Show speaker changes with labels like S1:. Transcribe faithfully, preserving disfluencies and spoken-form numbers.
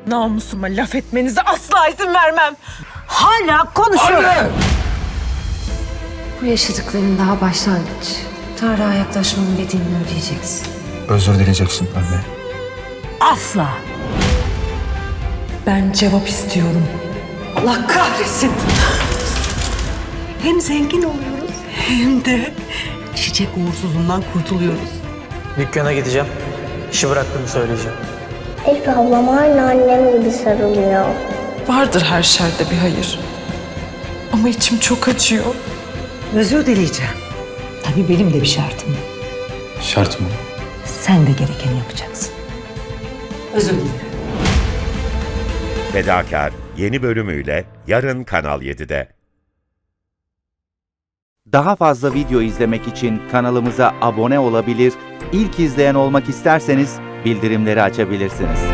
S1: Namusuma laf etmenize asla izin vermem.
S2: Hala konuşuyor.
S3: Anne!
S4: Bu yaşadıkların daha başlangıç. Tarık'a yaklaşmanın bedelini ödeyeceksin.
S3: Özür dileyeceksin anne.
S2: Asla.
S1: Ben cevap istiyorum.
S2: Allah kahretsin. Hem zengin oluyoruz hem de çiçek uğursuzluğundan kurtuluyoruz.
S5: Dükkana gideceğim. İşi bıraktığımı söyleyeceğim.
S6: Elif ablam aynı annem gibi sarılıyor.
S1: Vardır her şerde bir hayır. Ama içim çok acıyor.
S2: Özür dileyeceğim. Tabii benim de bir şartım var.
S3: Şart mı?
S2: Sen de gerekeni yapacaksın. Özür dilerim.
S7: Fedakar yeni bölümüyle yarın Kanal yedide.
S8: Daha fazla video izlemek için kanalımıza abone olabilir, ilk izleyen olmak isterseniz bildirimleri açabilirsiniz.